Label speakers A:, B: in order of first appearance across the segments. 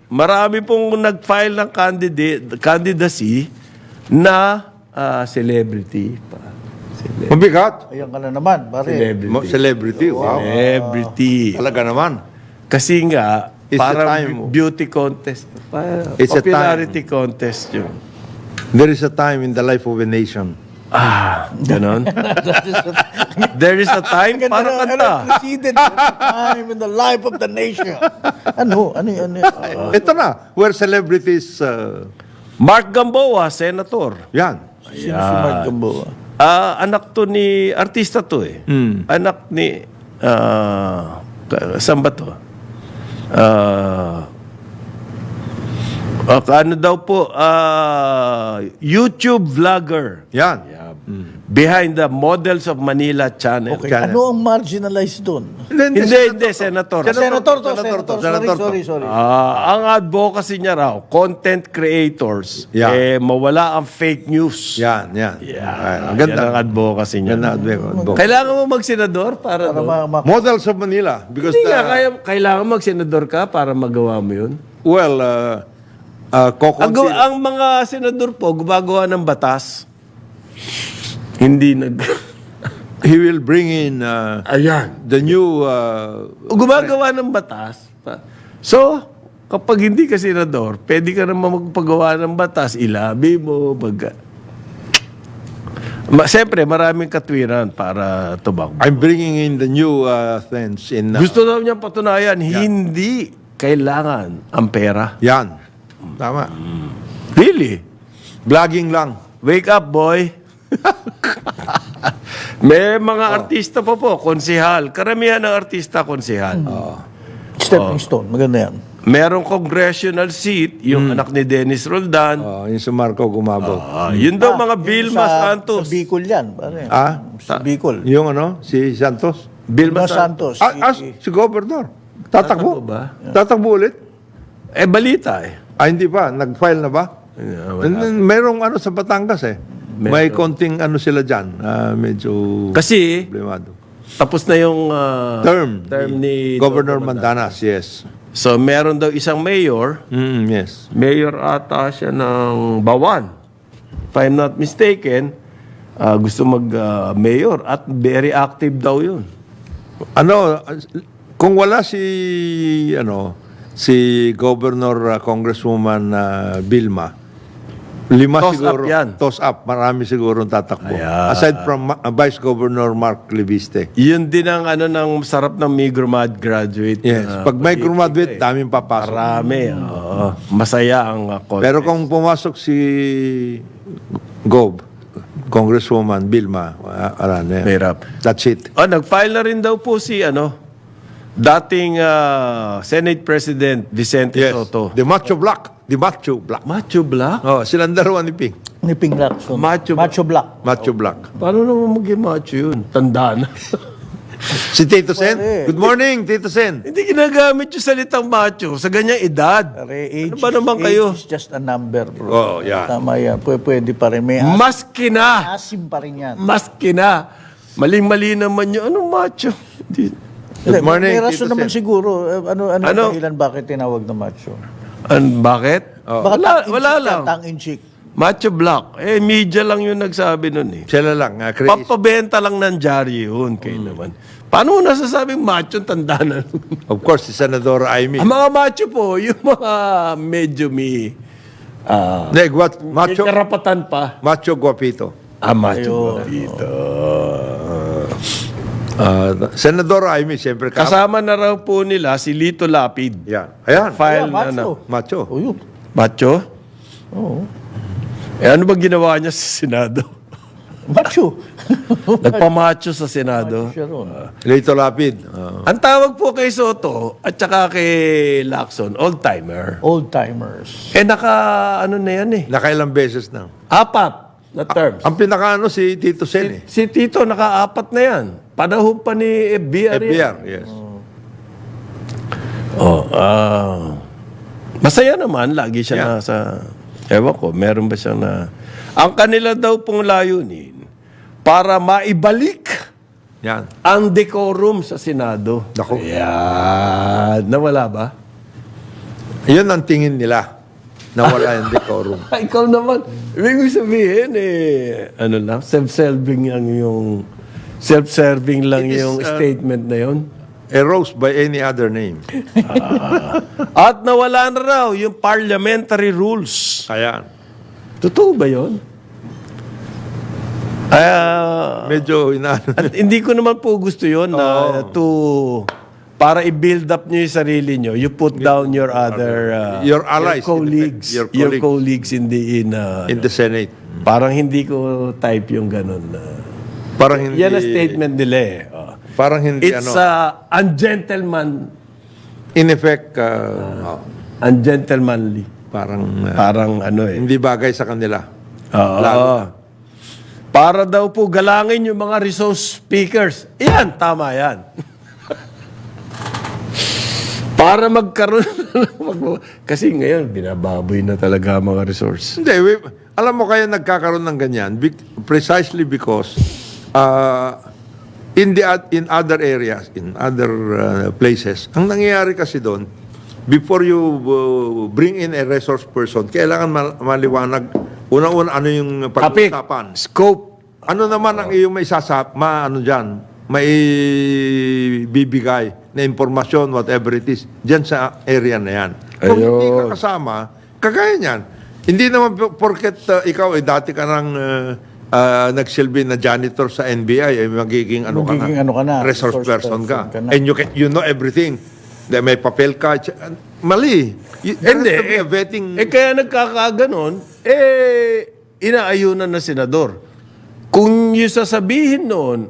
A: marami pong nag-file ng candidacy na celebrity pa.
B: Mabigat.
C: Ayan ka na naman, pare.
B: Celebrity. Wow.
A: Celebrity.
B: Talaga naman.
A: Kasi nga,
B: It's a
A: parang
B: time.
A: beauty contest.
B: It's a
A: Popularity contest yun.
B: There is a time in the life of a nation.
A: Ganon. There is a time para kanta.
C: President, time in the life of the nation. Ano?
B: Ito na, where celebrities,
A: Mark Gamboa, senator.
B: yan.
C: Sino si Mark Gamboa?
A: Anak to ni, artista to eh. Anak ni, saan ba to? Ano daw po, YouTube vlogger.
B: Yan.
A: Behind the Models of Manila channel.
C: Okay,
B: Channel.
C: ano ang marginalized doon?
A: Hindi, senator.
C: Senator. Sorry.
A: Ang advocacy niya raw, content creators,
B: Yeah.
A: mawala ang fake news.
B: Yan.
A: Ang
B: Ang ganda.
A: Yan ang advocacy niya.
B: Ganda advocacy.
A: Kailangan mo mag-senador para doon?
B: Models of Manila. Because
A: Hindi nga, kailangan mag-senador ka para magawa mo yun.
B: well,
A: Ang mga senador po, gumagawa ng batas. Hindi
B: he will bring in
A: Ayan.
B: the new...
A: Gumagawa ng batas. So, kapag hindi ka senador, pwede ka naman magpagawa ng batas, ilabi mo, Siyempre, maraming katwiran para tumakbo.
B: I'm bringing in the new things in...
A: Gusto daw niya patunayan, hindi kailangan ang pera.
B: yan. Tama.
A: Really?
B: Vlogging lang.
A: Wake up, boy. May mga artista pa po, konsehal. Karamihan ng artista, konsehal.
C: Stepping stone, maganda yan.
A: Merong congressional seat, yung anak ni Dennis Roldan.
B: Yung si Marco Gumabog.
A: Yun daw mga Vilma Santos.
C: Sa Bicol yan, pare. Sa Bicol.
B: Yung si Santos.
A: Vilma
C: Vilma
A: Santos.
C: Santos.
B: Si Governor. Tatakbo.
A: Tatakbo ba?
B: Tatakbo ulit.
A: Balita eh.
B: Hindi pa. Nag-file na ba? And then, merong sa Batangas eh. May konting sila dyan. Medyo
A: Kasi,
B: problemado.
A: tapos na yung
B: Term
A: ni
B: Governor Mandanas, yes.
A: So, meron daw isang mayor.
B: Yes.
A: Mayor ata siya ng Bawan. If I'm not mistaken, gusto mag-mayor at very active daw yun.
B: Kung wala si Governor Congresswoman Vilma, 5
A: Toss
B: siguro.
A: up yan.
B: Toss up. Marami siguro tatakbo.
A: Ayan.
B: Aside from Vice Governor Mark Libiste.
A: Yun din ang ng sarap ng Migromad graduate.
B: Yes. Pag may graduate, daming papasok.
A: Marami. Oo. Masaya ang contest.
B: Pero kung pumasok si Congresswoman Vilma, wala na yan.
A: Mahirap.
B: That's it.
A: Nag-file na rin daw po si dating Senate President Vicente
B: Yes.
A: Soto.
B: The Macho Black.
A: Macho Black?
B: Silang dalawa ni Ping.
C: Ni Ping Lacson.
A: Macho
C: Black.
B: Macho Black.
A: Paano naman maging macho yun? Tanda na.
B: Si Tito Sen. Good morning, Tito Sen.
A: Hindi ginagamit yung salitang macho sa ganyang edad.
C: Pare,
A: Ano ba naman kayo?
C: Age is just a number, bro.
B: Oh, yan.
C: Tama yan. Pwede pa rin. May
A: Maski na!
C: asim pa rin yan.
A: Maski na! Maling-mali naman yun. Anong macho?
B: Good morning,
C: May rason
B: Tito
C: naman
B: Sen.
C: siguro. Ano?
A: Ano?
C: Dahilan bakit tinawag na macho?
A: Bakit? Wala lang.
C: Tang-in-cheek.
A: Macho Black. Media lang yung nagsabi nun eh.
B: Sila lang. Crazy.
A: Papabenta lang ng Jari yun. Kayo naman. Paano mo nasasabing macho tanda na?
B: Of course, si Senador Amy.
A: Ang mga macho po, yung mga medyo may
B: Macho,
A: karapatan pa.
B: macho guapito.
A: Macho dito.
B: Senador Amy, siyempre.
A: Kasama na raw po nila si Lito Lapid.
B: Yan. Ayan.
A: File
C: Yeah,
A: na
C: macho.
B: Macho.
C: O yun.
A: Macho?
C: Oo.
A: Ano ba ginawa niya sa Senado?
C: Macho.
A: Nagpamacho sa Senado.
C: Siya ron.
B: Lito Lapid.
A: Ang tawag po kay Soto at saka kay Lacson, old-timer.
C: Old-timers.
A: Ano na yan eh.
B: Nakailang beses na.
A: 4 na terms.
B: Ang pinakaano si Tito Sen eh.
A: Si Tito, naka-4 na yan. Panahon pa ni FBR.
B: FBR, yes.
A: Masaya naman, lagi siya
B: Yeah.
A: nasa... Ewan ko, meron ba siyang na... Ang kanila daw pong layunin, para maibalik
B: Yan.
A: ang decorum sa Senado.
B: Naku.
A: Ayan. Nawala ba?
B: Yun ang tingin nila na wala yung decorum.
A: Ikaw naman, ibig sabihin, ano lang, self-serving lang
B: It is,
A: yung statement na yun.
B: A rose by any other name.
A: At nawala na raw yung parliamentary rules.
B: Kaya,
A: Totoo ba yun?
B: medyo inaano.
A: At hindi ko naman po gusto yun na para i-build up nyo yung sarili nyo, you put down your other
B: Your allies,
A: colleagues,
B: in effect,
A: your colleagues in the
B: in the Senate.
A: parang hindi ko type yung ganun.
B: Parang hindi,
A: Yan ang statement nila eh.
B: parang hindi
A: It's ungentleman,
B: in effect,
A: ungentlemanly.
B: parang
A: Parang ano eh.
B: hindi bagay sa kanila.
A: Oo.
B: Lalo na.
A: Para daw po galangin yung mga resource speakers. Yan, tama yan. Para magkaroon kasi ngayon, binababoy na talaga ang mga resource.
B: Hindi, alam mo kaya nagkakaroon ng ganyan precisely because in other areas, in other places, ang nangyayari kasi doon, before you bring in a resource person, kailangan maliwanag una-una ano yung
A: Topic,
B: pag-usapan.
A: scope.
B: Ano naman ang iyong may may bibigay na impormasyon, whatever it is, dyan sa area na yan. Kung hindi ka
A: Ayun.
B: kasama, kagaya niyan. Hindi naman porket ikaw, dati ka nang nagsilbi na janitor sa NBI, magiging resource person ka. And you know everything. May papel ka. Mali. There has to be a vetting.
A: Kaya nagkakaganon, inaayunan na senador. Kung yung sasabihin noon,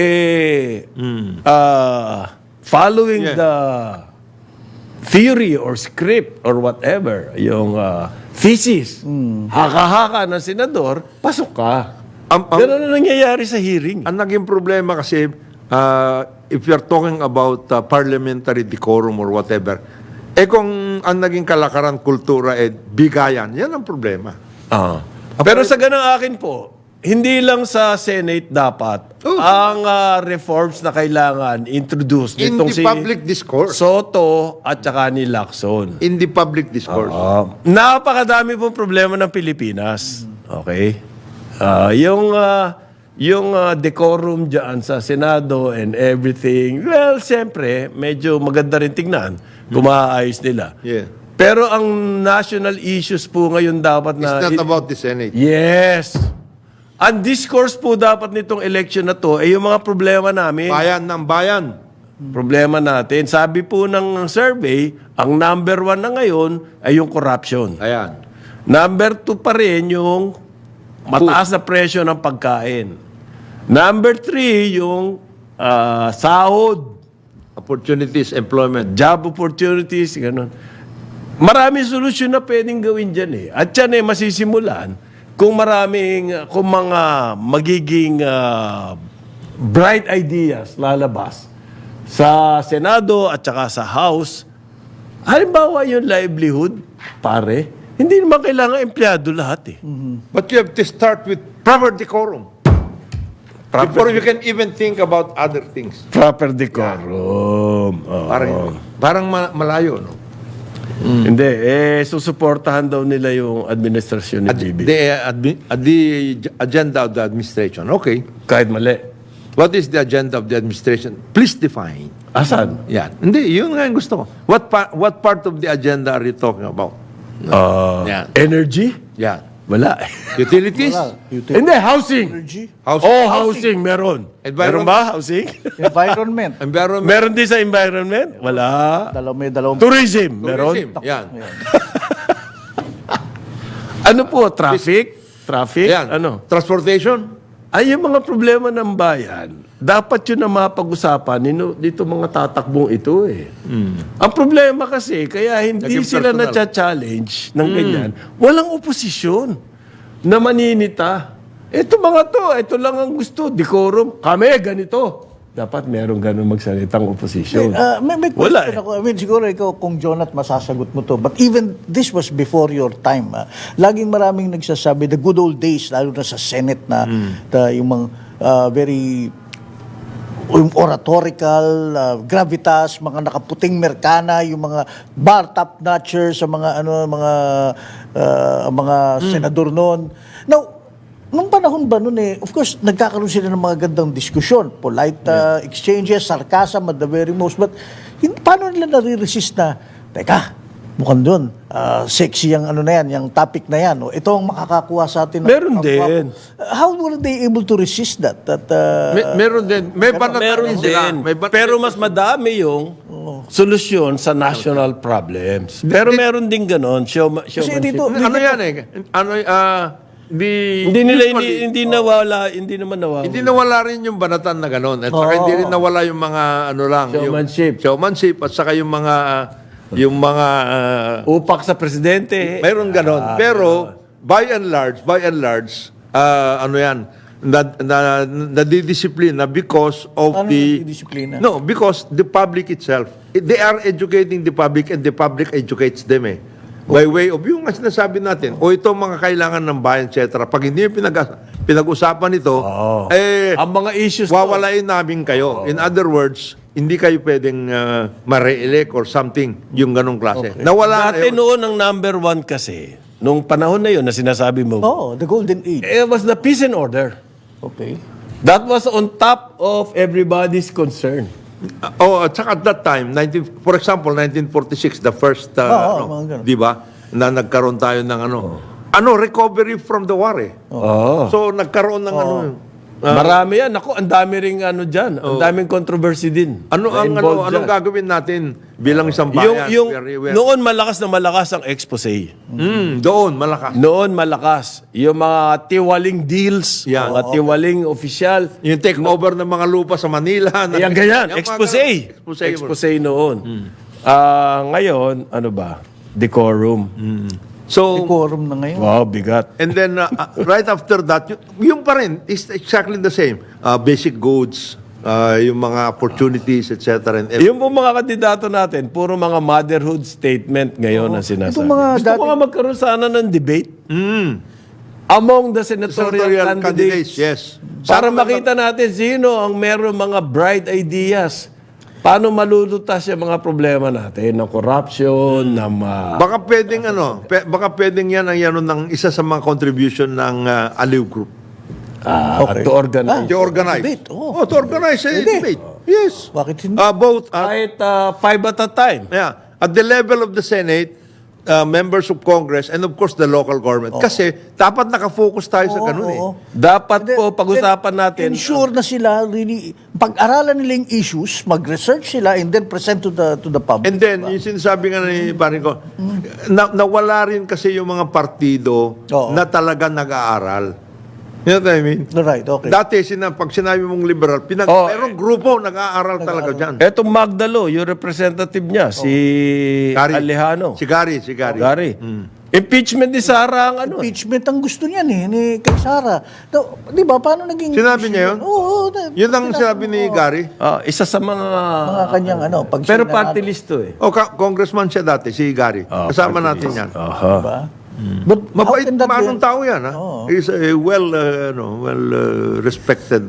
A: following the theory or script or whatever, yung thesis, haka-haka ng senador, pasok ka. Ganun na nangyayari sa hearing.
B: Ang naging problema kasi, if you're talking about parliamentary decorum or whatever, kung ang naging kalakaran, kultura, bigayan, yan ang problema.
A: Pero sa ganang akin po, hindi lang sa Senate dapat ang reforms na kailangan introduce
B: In
A: nitong
B: the public discourse.
A: Soto at saka ni Lacson.
B: In the public discourse.
A: Napakadami pong problema ng Pilipinas. Okay? Yung decorum dyan sa Senado and everything, well, siyempre, medyo maganda rin tignan kung maaayos nila.
B: Yeah.
A: Pero ang national issues po ngayon dapat na...
B: It's not about the Senate.
A: Yes. Ang discourse po dapat nitong election na to ay yung mga problema namin.
B: Bayan ng bayan.
A: Problema natin. Sabi po ng survey, ang number 1 na ngayon ay yung corruption.
B: Ayan.
A: Number 2 pa rin yung mataas na presyo ng pagkain. Number 3 yung sahod,
B: Opportunities, employment.
A: job opportunities, ganun. Maraming solusyon na pwedeng gawin dyan eh. At yan masisimulan kung kung mga magiging bright ideas lalabas sa Senado at saka sa House. Halimbawa yung livelihood, pare, hindi naman kailangan empleyado lahat eh.
B: But you have to start with proper decorum. Before you can even think about other things.
A: Proper decorum. Oo.
B: Parang malayo, no?
A: Hindi, susuportahan daw nila yung administrasyon ni Bibi.
B: The agenda of the administration. Okay.
A: Kahit mali.
B: What is the agenda of the administration? Please define.
A: Asan?
B: Yan. Hindi, yun nga yung gusto ko. What part of the agenda are you talking about? Yan.
A: Energy?
B: Yan.
A: Wala.
B: Utilities?
A: Hindi, housing.
C: Energy,
A: Housing, meron. Meron ba, housing?
C: environment.
B: Environment?
A: Meron din sa environment? Wala.
C: Dalawang
A: Tourism, meron.
B: Yan.
A: Ano po, traffic? Traffic?
B: Yan.
A: Ano?
B: Transportation?
A: Ay, yung mga problema ng bayan, dapat yun na mapag-usapan dito mga tatakbong ito eh. Ang problema kasi, kaya hindi
B: Naging
A: sila
B: personal.
A: na-challenge ng ganyan, walang oposisyon na maninita. Ito ito lang ang gusto, decorum, kami ganito. Dapat merong ganun magsalitang oposisyon.
C: May
A: Wala
C: question ako. I mean, siguro ikaw, kung Jonat, masasagot mo to. But even this was before your time. Laging maraming nagsasabi, the good old days, lalo na sa Senate na yung mga very yung oratorical, gravitas, mga nakaputing merkana, yung mga bar top notchers sa mga mga senador noon. Now, nung panahon ba noon of course, nagkakaroon sila ng mga gandang diskusyon, polite exchanges, sarcasm at the very most, but paano nila nare-resist na, teka, mukhang doon, sexy yung na yan, yung topic na yan. Ito ang makakakuha sa atin.
A: Meron din.
C: How were they able to resist that?
B: Meron din. May banatan
A: Meron
B: sila.
A: din.
B: May
A: Pero mas madami yung solusyon sa national problems. Pero meron din ganon.
C: Kasi dito,
B: ano yan
A: Hindi hindi naman nawala.
B: Hindi nawala rin yung banatan na gano'n. At saka hindi rin nawala yung mga
A: Showmanship.
B: Yung showmanship at saka yung mga
A: Upak sa presidente.
B: mayroon gano'n. Pero by and large, ano yan, nadidisiplina because of
C: Paano nadidisiplina?
B: No, because the public itself, they are educating the public and the public educates them By way of yung sinasabi natin, ito mga kailangan ng bayan, etc. Pag hindi yung pinag-usapan ito,
A: ang mga issues
B: wawalain namin kayo. In other words, hindi kayo pwedeng ma-re-elect or something, yung ganong klase.
A: Okay.
B: Nawala
A: Dati noon ang number one kasi, nung panahon na yun na sinasabi mo,
C: the golden age.
A: it was the peace and order.
C: Okay.
A: That was on top of everybody's concern.
B: At saka at that time, for example, 1946, the first,
C: mga ganun.
B: di ba, na nagkaroon tayo ng recovery from the war So, nagkaroon ng
A: Marami yan. Ako, ang dami ring dyan. Ang daming controversy din.
B: Anong gagawin natin bilang isang bayan?
A: Noon malakas na malakas ang expose.
B: Doon, malakas.
A: Noon malakas. Yung mga tiwaling deals,
B: Yan.
A: mga tiwaling official.
B: Yung take over ng mga lupa sa Manila.
A: Yan, ganyan.
B: Yung mga
A: Expose.
B: ganun.
A: Expose noon. Ngayon, ano ba? Decorum.
B: So,
C: Decorum na ngayon.
A: Wow, bigat.
B: and then, right after that, yung pa rin, is exactly the same. Basic goods, yung mga opportunities, etc. and everything.
A: Yung po mga kandidato natin, puro mga motherhood statement ngayon ang sinasabi.
C: Itong mga
A: Gusto ko nga magkaroon sana ng debate among the senatorial candidates.
B: Yes.
A: Para makita natin sino ang meron mga bright ideas. Paano malulutas yung mga problema natin ng corruption, ng
B: Baka pwedeng baka pwedeng yan ng isa sa mga contribution ng Aliw Group.
A: to organize.
B: To organize.
C: Debate,
B: to organize a
C: Pwede.
B: debate. Yes.
C: Bakit hindi?
B: Both
A: Kahit 5 at a time.
B: at the level of the Senate, members of Congress, and of course the local government. Kasi dapat nakafocus tayo sa ganun
A: Dapat po pag-usapan natin.
C: Ensure na sila really, pag-aralan nila yung issues, mag-research sila, and then present to the public.
B: And then, yung sinasabi nga ni Paring ko, nawala rin kasi yung mga partido na talaga nag-aaral. You know what I mean?
C: Right, okay.
B: Dati, pag sinabi mong liberal, merong grupo nag-aaral talaga dyan.
A: Etong Magdalo, yung representative niya, si Alejano.
B: Si Gary.
A: Gary. Impeachment ni Sara ang
C: Impeachment ang gusto niyan ni kay Sara. Di ba, paano naging...
B: Sinabi niya yun?
C: Oo.
B: Yun ang sinabi ni Gary.
A: isa sa mga...
C: Mga kanyang pag
A: Pero
C: sinanalo,
A: party list to
B: Congressman siya dati, si Gary. Kasama natin yan.
C: Diba? But how
B: Mabait,
C: can that be-
B: manong tao yan. He's a well respected